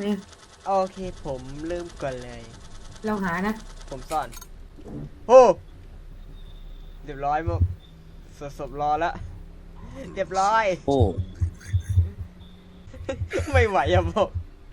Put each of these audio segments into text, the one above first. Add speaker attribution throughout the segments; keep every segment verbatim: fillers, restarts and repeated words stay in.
Speaker 1: เนี่ย
Speaker 2: โอเคผมเริ่มก่อนเลย
Speaker 1: เราหานะ
Speaker 2: ผมซ่อนโอ้เรียบร้อยมั้งสดศพรอแล้วเรียบร้อย
Speaker 3: โอ้
Speaker 2: ไม่ไหวอะผม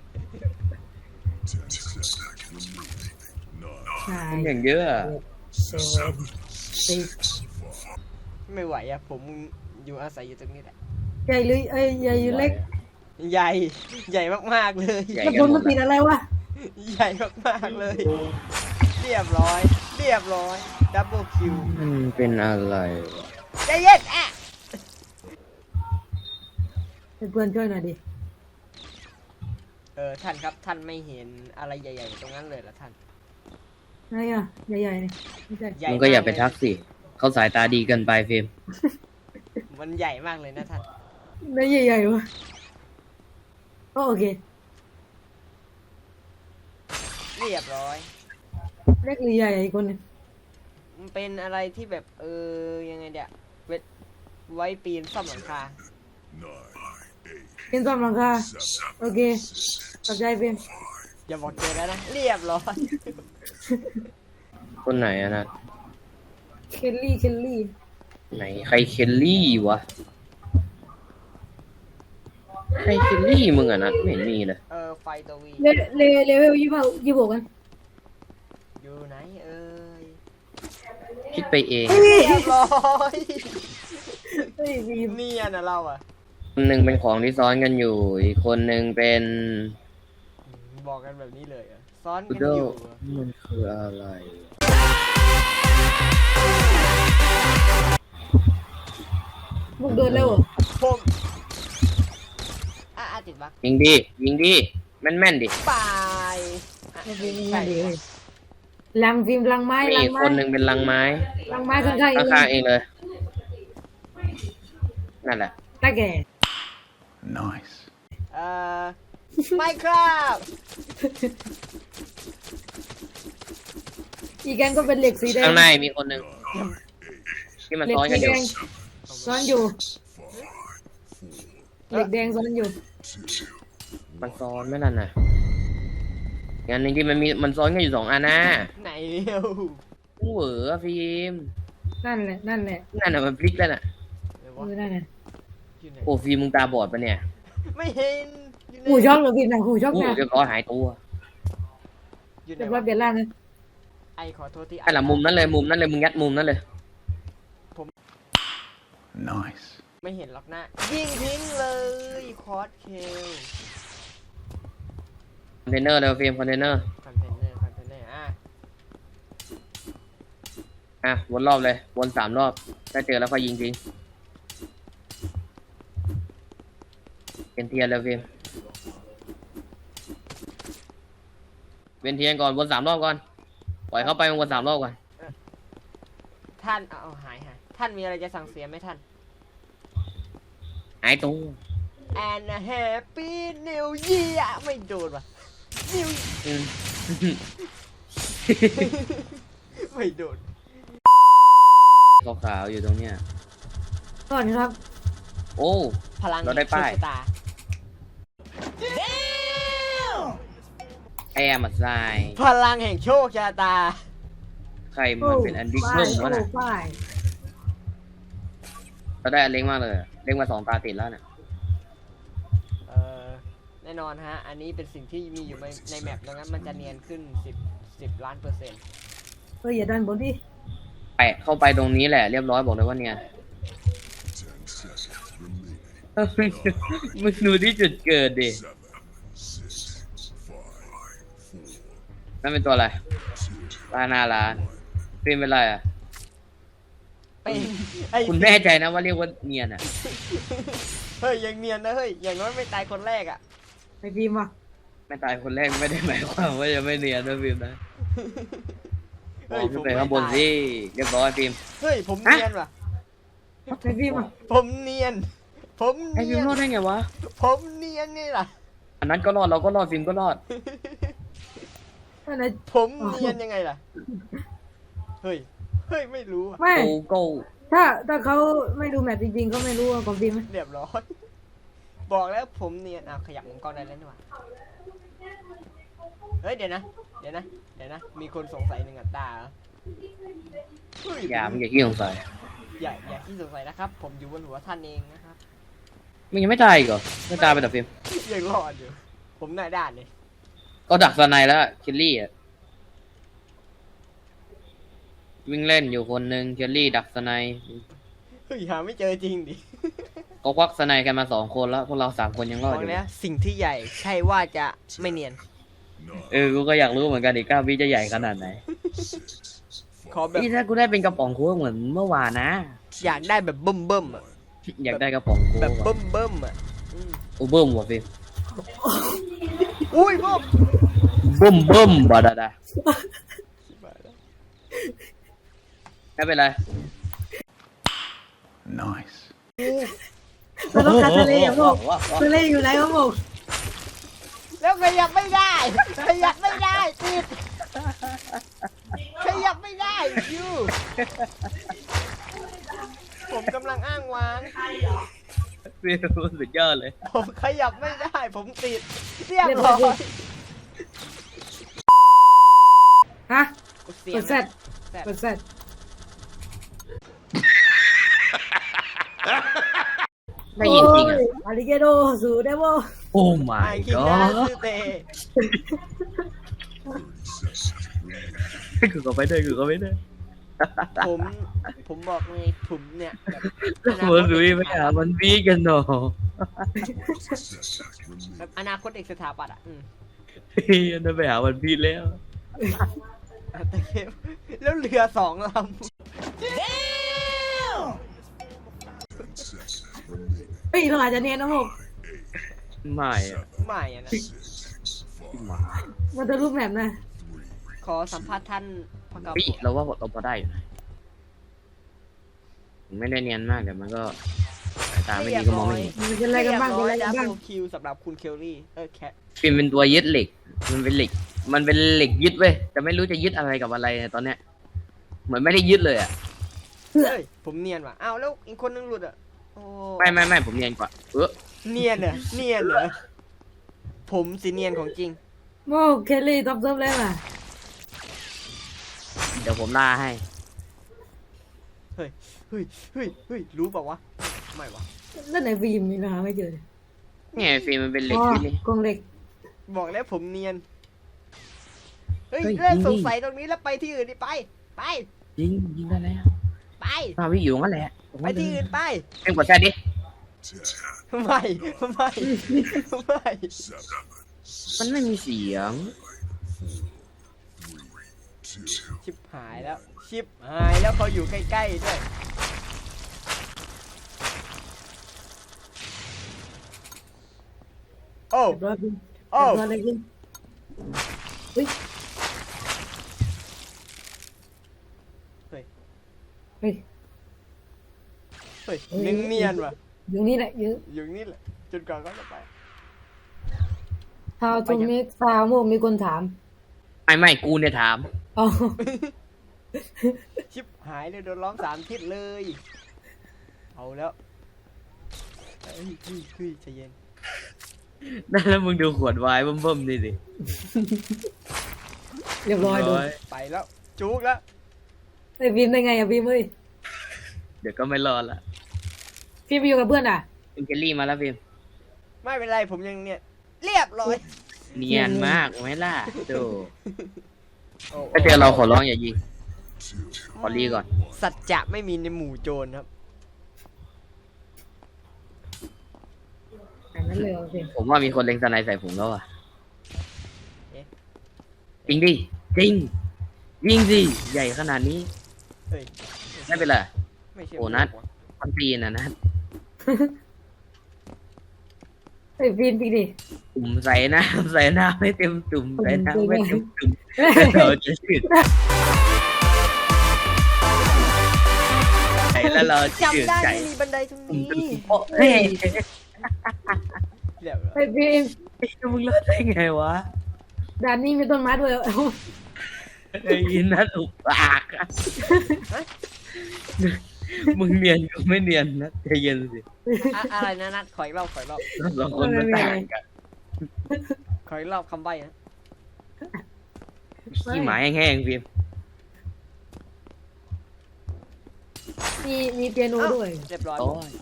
Speaker 1: ใช่
Speaker 3: เป็นอย่างเยอะอะ
Speaker 1: เซเว่นสิบ
Speaker 2: ไม่ไหวอะผมอยู่อาศัยอยู่ตรงนี้แหละ
Speaker 1: ใหญ่หรือเอ้ยใหญ่หรือเล็ก
Speaker 2: ใหญ่ใหญ่มากๆเลย
Speaker 3: ใหญ่
Speaker 1: แล้ว
Speaker 3: กัน
Speaker 1: บน
Speaker 3: หม
Speaker 1: มัน
Speaker 3: ด
Speaker 1: ติด
Speaker 3: ละ
Speaker 1: อะไรวะ
Speaker 2: ใหญ่มากๆเลย เรียบร้อย เรียบร้อยดับเบิลคิว
Speaker 3: มันเป็นอะไรวะ
Speaker 2: ใจเย็นอะ
Speaker 1: เพื่อนช่วยหน่อยดิ
Speaker 2: เออท่านครับท่านไม่เห็นอะไรใหญ่ๆตรงนั้นเลยเหรอท่าน
Speaker 1: ไหนอ่ะใหญ่ๆนี่ไม่ใช่
Speaker 2: ใหญ่
Speaker 3: มึงก็อย่าไป
Speaker 2: มเล
Speaker 3: ทักสิเขาสายตาดีเกินไปเฟรม
Speaker 2: มันใหญ่มากเลยนะท่าน
Speaker 1: ไหนใหญ่ๆวะก็โอเค
Speaker 2: เรียบร้อย
Speaker 1: เล็กหรือใหญ่อีกคนหนึง
Speaker 2: มันเป็นอะไรที่แบบเออยังไงเดี๋ยเวทไว้ปีนซ่อมหลังคา
Speaker 1: เป็นซ่อมหลังคาโอเคขอบใจเพื่อน
Speaker 2: อย่าบอกเจอแล้วนะ เรียบร้อย
Speaker 3: คนไหนอะนะ
Speaker 1: เคลลี่เคลลี่
Speaker 3: ไหนใครเคลลี่วะใครเคลลี่มึงอะนะไม่เห็นมีเลย
Speaker 2: เออไฟตัววี
Speaker 1: เลเลเลเวลยี่สิบยี่สิบหกกัน
Speaker 2: อยู่ไหนเอ้ย
Speaker 3: คิดไปเอง
Speaker 2: เรียบร้อย
Speaker 1: เฮ้ยบีม
Speaker 2: เนียนนะเราอ่ะ
Speaker 3: คนหนึ่งเป็นของที่ซ้อนกันอยู่ อีกคนหนึ่งเป็น
Speaker 2: บอกกันแบบนี้เลยเหรอซ้อน
Speaker 3: พุ
Speaker 2: กั
Speaker 3: ด
Speaker 2: น
Speaker 3: เดิ
Speaker 2: อ
Speaker 3: ล
Speaker 2: ยู่เหรอ
Speaker 3: มันคืออะไร
Speaker 1: พวกเดินเร็วเหรอ
Speaker 2: ผมอ่ะอ่ะติดบัก
Speaker 3: ยิงดียิงดีแม่นแม่นๆดิ
Speaker 2: บายอ่ะ
Speaker 1: ไม่เป็น
Speaker 2: ใช่
Speaker 1: ไรเลยลังฟิล์มลังไม้
Speaker 3: มี
Speaker 1: ลัง
Speaker 3: อีก
Speaker 1: ไม้
Speaker 3: คนหนึ่งเป็นลังไม้
Speaker 1: ลังไม้ข้างๆเอง
Speaker 3: ข้างๆเองเลย นั่นแหละ
Speaker 1: ตาแก่
Speaker 4: Nice.
Speaker 2: เอ่อไม่ครับ
Speaker 1: อีกแกนก็เป็นเหล็กสีแดง
Speaker 3: ข้างในมีคนหนึ่งที่มัน
Speaker 1: เหล็ก
Speaker 3: ซ้อนกั
Speaker 1: สี
Speaker 3: นอ
Speaker 1: แด
Speaker 3: ยู่
Speaker 1: งซ้อนอยู่เหล็กแดงซ้อนอยู่
Speaker 3: มันซ้อนไม่นั่นน่ะงานหนึ่งที่มันมีมันซ้อนกันอยู่สองอันนะ
Speaker 2: ไหนเร็ว
Speaker 3: เหวอฟิล์ม
Speaker 1: นั่นแหละนั่นแหละ
Speaker 3: นั่นน่ะมันพลิกแล้วน่ะ
Speaker 2: เดี๋ยว
Speaker 1: เอ
Speaker 2: วะ
Speaker 1: อนั่นแหละ
Speaker 2: อยู่ไหน
Speaker 3: โอ้ฟิล์มมึงตาบอดปะเนี่ย
Speaker 2: ไม่เห็นอยู่ไหน
Speaker 1: หูช็อกเหรอพี่หนังหูช็อก
Speaker 3: โอ้
Speaker 1: นะ
Speaker 3: เรียบร้อยหายตัว
Speaker 2: อยู่ไหน
Speaker 1: เรียบร้อ
Speaker 2: วะ
Speaker 1: ยเปลี่ยนร่างนะ
Speaker 2: ไอขอโทษที่
Speaker 3: ไอ้หละมุมนั้นเลยมุมนั้นเลยมึงยัดมุมนั้นเลย
Speaker 4: Nice.
Speaker 2: ไม่เห็นหรอกนะยิงทิ้งเลยคอร์สเคล
Speaker 3: คอนเทนเนอร์เลยฟิล์มคอนเทนเนอร์
Speaker 2: คอนเทนเนอร์คอนเทนเนอร์อ่ะ
Speaker 3: อ่ะวนรอบเลยวนสามรอบถ้าเจอแล้วค่อยยิงทิ้งเป็นเทียนเลยฟิล์มเป็นเทียนก่อนวนสามรอบก่อนปล่อยเข้าไปวนสามรอบก่อน
Speaker 2: ท่านเอาเอาหายหายท่านมีอะไรจะสั่งเสียไหมท่าน
Speaker 3: หายตัว
Speaker 2: and a happy new year ไม่โดนว่ะ new
Speaker 3: อืม
Speaker 2: ไม่โดน
Speaker 3: ขาวๆอยู่ตรงเนี้ย
Speaker 1: ก่อนครับ
Speaker 3: โอ้
Speaker 2: พลัง
Speaker 3: เราได้ป้าย
Speaker 2: โชคชะตา
Speaker 3: แอร์มัดทราย
Speaker 2: พลังแห่งโชคชะตา
Speaker 3: ใครมันเป็นอันดิเคิลวะน่ะ
Speaker 1: โอ้ป้าย
Speaker 3: เราได้อันเล็กมากเลยอะเล็กมาสองตาติดแล้วน่ะ
Speaker 2: เออแน่นอนฮะ อันนี้เป็นสิ่งที่มีอยู่ในในแมปดังนั้นมันจะเนียนขึ้นสิบสิบล้านเปอร์เซ็นต์
Speaker 1: เฮ้ยอย่าดันบนดิ
Speaker 3: แปะเข้าไปตรงนี้แหละเรียบร้อยบอกเลยว่าเนี่ยมึงดูที่จุดเกิดดินั่นเป็นตัวอะไรปลาหนาร้านเป็นเป็นไรอ่ะ
Speaker 2: เป็นไอ้
Speaker 3: คุณแน่ใจนะว่าเรียกว่าเนียนอ่ะ
Speaker 2: เฮ้ยยังเนียนนะเฮ้ยอย่างน้อยไม่ตายคนแรกอ่ะ
Speaker 1: ไปฟิล์มว่ะ
Speaker 3: ไม่ตายคนแรกไม่ได้หมายความว่าจะไม่เนียนนะฟิล์มนะม
Speaker 2: เฮ้
Speaker 3: อย ง
Speaker 2: ผ
Speaker 3: ขึ้น
Speaker 2: ม
Speaker 3: ไป
Speaker 2: ไม่
Speaker 3: ข้างบน
Speaker 2: ตาย
Speaker 3: สิเรียบร้อยฟิล์ม
Speaker 2: เฮ้ยผมเนียนว่ะ
Speaker 1: ไปฟิล์มว่ะ
Speaker 2: ผมเนียน ผม
Speaker 3: ไอ้
Speaker 2: เนี
Speaker 3: ฟิล์
Speaker 2: ย
Speaker 3: ม
Speaker 2: น
Speaker 3: รอดได้ไงวะ
Speaker 2: ผมเนียนนี่ล่ะ
Speaker 3: อันนั้นก็รอดเราก็รอดฟิล์มก็รอด
Speaker 1: นั่นแหละ
Speaker 2: ผมเนียนยังไงล่ะ เฮ้ย เฮ้ยไม่รู้อะ
Speaker 1: ไม่
Speaker 3: โกโก้
Speaker 1: ถ้าถ้าเขาไม่ดูแมปจริงๆก็ไม่รู้ว่าของฟิล์มไหม
Speaker 2: เรียบร้อยบอกแล้วผมเนียนอ่ะขยับมุมกล้องได้แล้วนี่หว่าเฮ้ยเดี๋ยวนะเดี๋ยวนะเดี๋ยวนะมีคนสงสัยหนึ่งอัตตราเหรอเฮ้ย
Speaker 3: อย่ามึงอย่าขี้สงสัย
Speaker 2: อย่าอย่าที่สงสัยนะครับ ผมอยู่บนหัวท่านเองนะครับ
Speaker 3: มึงยังไม่ตายอีกเหรอไม่ตายไปแต่ฟิล์ม
Speaker 2: ยังรอดอยู่ผมหน้าด้านเลย
Speaker 3: ก็ดักสไนแล้วเคลลี่อ่ะวิ่งเล่นอยู่คนหนึ่งเคลลี่ดักสไน
Speaker 2: เฮ้ยหาไม่เจอจริงดิ
Speaker 3: ก็ควักสไนกันมาสองคนแล้วพวกเราสามคนยังร
Speaker 2: บ
Speaker 3: อ
Speaker 2: อ
Speaker 3: ดอก ยู่
Speaker 2: แล้วสิ่งที่ใหญ่ใช่ว่าจะไม่เนียน
Speaker 3: เออกูก็อยากรู้เหมือนกันอีกเก้าวิจะใหญ่ขนาดไหน
Speaker 2: ขอแบบ
Speaker 3: นี่ถ้ากูได้เป็นกระป๋องโค้กเหมือนเมื่อวานนะ
Speaker 2: อยากได้แบบเบิ่มเบิ่มๆอ่ะ
Speaker 3: อยากได้กระป๋องโค้
Speaker 2: แบบ
Speaker 3: ก
Speaker 2: เบิ่มเบิ่มๆอ่ะอืม
Speaker 3: อูเบิ้มว่ะฟิล์ม
Speaker 2: อุ้ยพ่อ
Speaker 3: เบิ้มเบิ้มบาดาดาไม่เป็นไร
Speaker 4: Nice.
Speaker 1: เราต้องการทะเลอ่ะพวกทะเลอยู่ไหนวะพวก
Speaker 2: แล้วขยับไม่ได้ขยับไม่ได้ติดขยับไม่ได้ยูผมกำลังอ้างว้าง
Speaker 3: ฟิล์มสุดยอดเลย
Speaker 2: ผมขยับไม่ได้ ผมติดเรียบร้อย
Speaker 1: ฮะ
Speaker 2: เสี
Speaker 1: ก
Speaker 2: ยง
Speaker 1: ดเซต
Speaker 2: แซ่บ
Speaker 1: กดเซต
Speaker 3: ได้ยินจริงอ่ะ
Speaker 1: อาริเกโดสูได้บ่
Speaker 3: โอ้
Speaker 2: ไอ้
Speaker 3: my
Speaker 2: คิดนะ
Speaker 3: god
Speaker 2: ซื้อเต
Speaker 3: คือก็ไปได้คือก็ไปได้
Speaker 2: ผมผมบอกเลยผมเนี่ยแบบ
Speaker 3: เหมือนดุยไปหามันวีกันเนาะ
Speaker 2: แบบอนาคตเอกสถาปัตย์อ่ะอืม
Speaker 3: เฮ้ยนั่นไปหามันพีแล้ว
Speaker 2: แต่เกมแล้วเรือสองลำ
Speaker 1: เฮ้ยเราอาจจะเนียนนะพวก
Speaker 3: ไม่อะ
Speaker 2: ไม่อะนะ
Speaker 1: มันจะรูปแบบนะ
Speaker 2: ขอสัมภาษณ์ท่านพระกา
Speaker 3: พี่เราว่าเราพอได้อยู่นะไม่ได้เนียนมากแต่มันก็สายตาไม่ดีก็มองไม่เห็น
Speaker 1: มันเป็นอะไรกันบ้างเป็นอะไรกันบ้าง
Speaker 2: ดับเบิลคิวสำหรับคุณเคลลี่เออแคท
Speaker 3: ฟิล์มเป็นตัวยึดเหล็ก มันเป็นเหล็ก มันเป็นเหล็กยึดเว้ยแต่ไม่รู้จะยึดอะไรกับอะไรตอนเนี้ยเหมือนไม่ได้ยึดเลยอ่ะ
Speaker 2: เฮ้ยผมเนียนว่ะอ้าวแล้วอีกคนนึงหลุดอ่ะโอ้
Speaker 3: ไม่ไม่ไม่ผมเนียนกว่าเออ
Speaker 2: เนียนเหรอเนียนเหรอผมสิเนียนของจริง
Speaker 1: โมเคลลี่ท็อปเซิร์ฟแล้วอ่ะ
Speaker 3: เดี๋ยวผมล่าให้
Speaker 2: เฮ้ยเฮ้ยเฮ้ยเฮ้ยรู้เปล่าวะไม่วะ
Speaker 1: นั่นไหนฟิล์มมีนะไม่เจอ
Speaker 3: เนี่ยฟิล์มมันเป็นเหล็ก
Speaker 1: อ๋อ
Speaker 3: ยึดนี่
Speaker 1: กรงเหล็ก
Speaker 2: บอกแล้วผมเนียนเฮ้ย
Speaker 3: เฮ้ย
Speaker 2: เลิก
Speaker 3: ยิงดิ
Speaker 2: สงสัยตรงนี้แล้วไปที่อื่นดิไป ไป
Speaker 3: ยิงยิงได้แล้ว
Speaker 2: ไป
Speaker 3: มาวิ่งอยู่ตรงนั้นแหละ
Speaker 2: ไปที่อื่นไป
Speaker 3: เอ็งกดแช่ดิ
Speaker 2: ไม่ไม่ไม่
Speaker 3: มันไม่มีเสียง
Speaker 2: ชิบหายแล้ว ชิบหายแล้วเขาอยู่ใกล้ๆด้วยโอ้
Speaker 1: เรียบร้อยฟิล์ม
Speaker 2: โอ้
Speaker 1: เรียบร้อยเลยฟิล์มเฮ้ย
Speaker 2: เฮ้ย
Speaker 1: เฮ้ย
Speaker 2: เฮ้ยเนียนเนียนว่ะ
Speaker 1: อยู่นี่แหละอยู่
Speaker 2: อยู่นี่แหละจนกว่าเขาจะไป
Speaker 1: ทาวทูมิกซาวโมมีคนถาม
Speaker 3: ไม่ไม่กูเนี่ยถาม
Speaker 1: อ๋อ
Speaker 2: ชิบหายเลยโดนล้อมสามทิศเลย เอาแล้วเฮ้ยเฮ้ยเฮ้ยใจเย็น
Speaker 3: แล้วมึงดูขวดไวน์เบิ่มๆนี่สิ
Speaker 1: เรียบร้อยดู
Speaker 2: ไปแล้ว จุกแล้ว
Speaker 1: ไอ้ฟิล์มได้ไงอะฟิล์มเอ้ย
Speaker 3: เดี๋ยวก็ไม่รอดละ
Speaker 1: ฟิล์มไปอยู่กับเพื่อนอ่ะ
Speaker 3: ฟิล์มเจลลี่มาแล้วฟิล์ม
Speaker 2: ไม่เป็นไรผมยังเนี่ยเรียบร้อย
Speaker 3: เนียนมากไหมล่ะดู
Speaker 2: โอ้
Speaker 3: ถ้าเจอเราขอร้องอย่ายิง ขอรีก่อน
Speaker 2: สัจจะไม่มีในหมู่โจรครับ
Speaker 1: อันนั้นเลยเหรอฟิล์ม
Speaker 3: ผมว่ามีคนเล็งสไนใส่ผมแล้วอ่ะ
Speaker 2: เอ๊ะ
Speaker 3: จริงดิจริงยิงสิใหญ่ขนาดนี้
Speaker 2: เฮ้ย
Speaker 3: ไม่เป็นไร
Speaker 2: ไม่เชื่อ
Speaker 3: โอ้นัด มันตีนอ่ะนะ
Speaker 1: ไอ้ฟิล์มจริงดิ
Speaker 3: ตุ่มใส่น้ำใส่น้ำไม่เต็มตุ่มใส่น้ำไม่เต็มตุ่ม
Speaker 1: เฮ้ย
Speaker 3: เราจะชืดใส่แล้วเราจะชืด
Speaker 2: จำได้
Speaker 3: ใจ
Speaker 2: ไม่มีบันไดตรง
Speaker 3: ตุ่ม
Speaker 2: นี้
Speaker 3: ตุ่มโอ้เฮ้ย
Speaker 2: เรียบร้อย
Speaker 1: ไอ้ฟิล์ม
Speaker 3: มึงรอดได้ไงวะ
Speaker 1: ด่านนี้มีต้นไม้ด้วยเอ้า
Speaker 3: ไอ้ยินนัดอุปากอะมึงเนียนกูไม่เนียนนะใจเย็นสิ
Speaker 2: อะอะไรนะนัดขออีกรอบขออีกรอบ
Speaker 3: เราสองคนมันต่างกัน
Speaker 2: ขออีกรอบคำใบ้นะ
Speaker 3: ขี้หมาแห้งๆพิมพ์
Speaker 1: มีมีเปียโนด้วย
Speaker 2: เรียบร้อย
Speaker 3: โอ้ย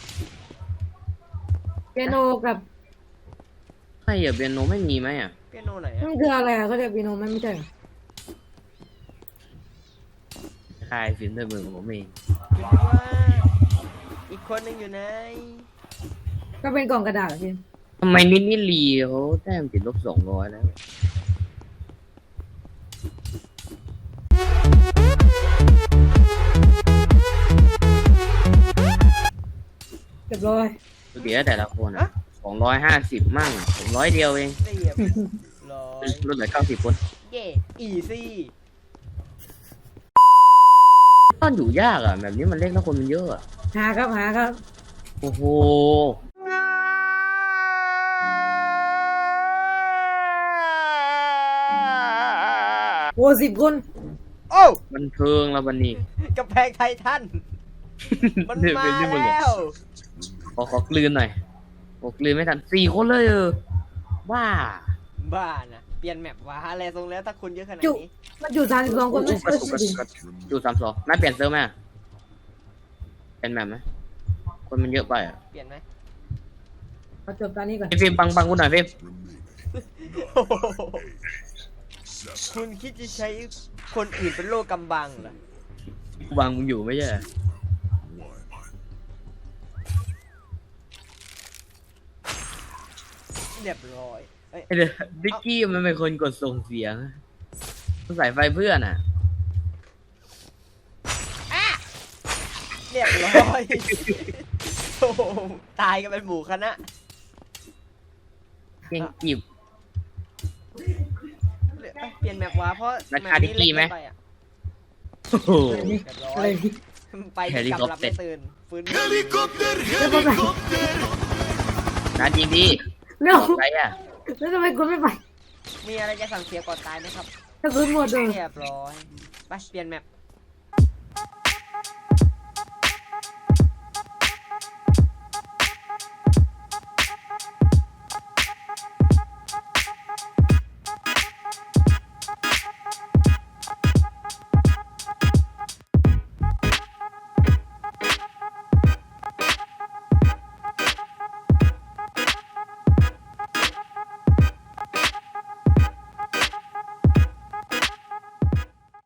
Speaker 1: เปียโนกับ
Speaker 3: ใช่เหรอเปียโนไม่มีไหมอ่ะ
Speaker 2: เปียโนไหนอะ
Speaker 1: มันคืออะไรอ่ะเขาเรียกเปียโนไหมไม่ใช่เหรอ
Speaker 3: คายฟิล์มด้วยมือของผมเอง
Speaker 2: คิดว่าอีกคนหนึงอยู่ไหน
Speaker 1: ก็เป็นกล่องกระดาษเหรอพี่
Speaker 3: ทำไมนิดนี่ลีเขาแต้มติดลบสองร้อยแล้ว
Speaker 1: เรียบร้อย
Speaker 3: เดี๋ยวแต่ละคนอ่ะสองร้อยห้าสิบมั่งผมร้อยเดียวเอง
Speaker 2: เรียบร้อย
Speaker 3: ลดเหลือเก้าสิบคน
Speaker 2: เย่อีซี่
Speaker 3: ต้นอยู่ยากอ่ะแบบนี้มันเล็กแล้วคนมันเยอะอ่ะ
Speaker 1: หาครับหาครับ
Speaker 3: โอ้โห
Speaker 1: โอ้สิบคน
Speaker 2: โอ้
Speaker 3: บันเทิงแล้ววันนี้
Speaker 2: กำแพงไททันมัน
Speaker 3: เดี๋ยว
Speaker 2: มา
Speaker 3: เป็นที่มึง
Speaker 2: แล้
Speaker 3: อะ
Speaker 2: ว
Speaker 3: ขอขอกลืนหน่อยโอ้กลืนไม่ทันสี่คนเลยเออว้า
Speaker 2: บ้านะเปลี่ยนแมปวะอะไรทรงแล้วถ้าคุณเยอะขนาด
Speaker 1: จุ
Speaker 2: นี้
Speaker 1: มันอยู่สามสิบสองคนไม่
Speaker 3: กระตุกกระตุกกระตุกดูสามสองน่าเปลี่ยนเซิร์ฟไหมอะเปลี่ยนแบบไหมคนมันเยอะไปอ่ะ
Speaker 2: เปลี่ยนไหม
Speaker 1: มาจบตอนนี้ก่อน
Speaker 3: พี่ฟิล์มบังบังกูหน่อยฟิล์ม
Speaker 2: โอ้โหคุณคิดจะใช้คนอื่นเป็นโลกกำบังเหรอ
Speaker 3: กูบังมึงอยู่ไม่ใช่เหรอ
Speaker 2: เรียบร้อยเอ้ย
Speaker 3: ไอ้เดี๋ยวดิกกี้มันเป็นคนกดส่งเสียงมันใส่ไฟเพื่อนอ่ะ
Speaker 2: เรียบร้อย โอ้โหตายกันเป็นหมู่คณะ
Speaker 3: เก่งจีบ
Speaker 2: เอ้ยเปลี่ยนแมปวะเพราะ
Speaker 3: รา
Speaker 2: แม
Speaker 3: คา
Speaker 2: ป
Speaker 3: ดิ
Speaker 2: นี้
Speaker 3: กกี้
Speaker 2: เล็ก
Speaker 3: ไหม
Speaker 2: เกินไปอ่ะ
Speaker 3: โอ้โห
Speaker 2: เรียบร้อ
Speaker 1: อะไร
Speaker 2: ย
Speaker 1: พี่
Speaker 2: ไปที่กำลับไม่ตื่นฟื้น
Speaker 3: นาจริงดิ
Speaker 1: เร็ว
Speaker 3: อะไรอ่ะ
Speaker 1: แล้วทำไมคุณไม่ไป
Speaker 2: มีอะไรจะสั่งเสียก่อนตายไหมครับ
Speaker 1: ถ้าคุณหมดเลย
Speaker 2: เรียบร้อย ไปเปลี่ยนแมป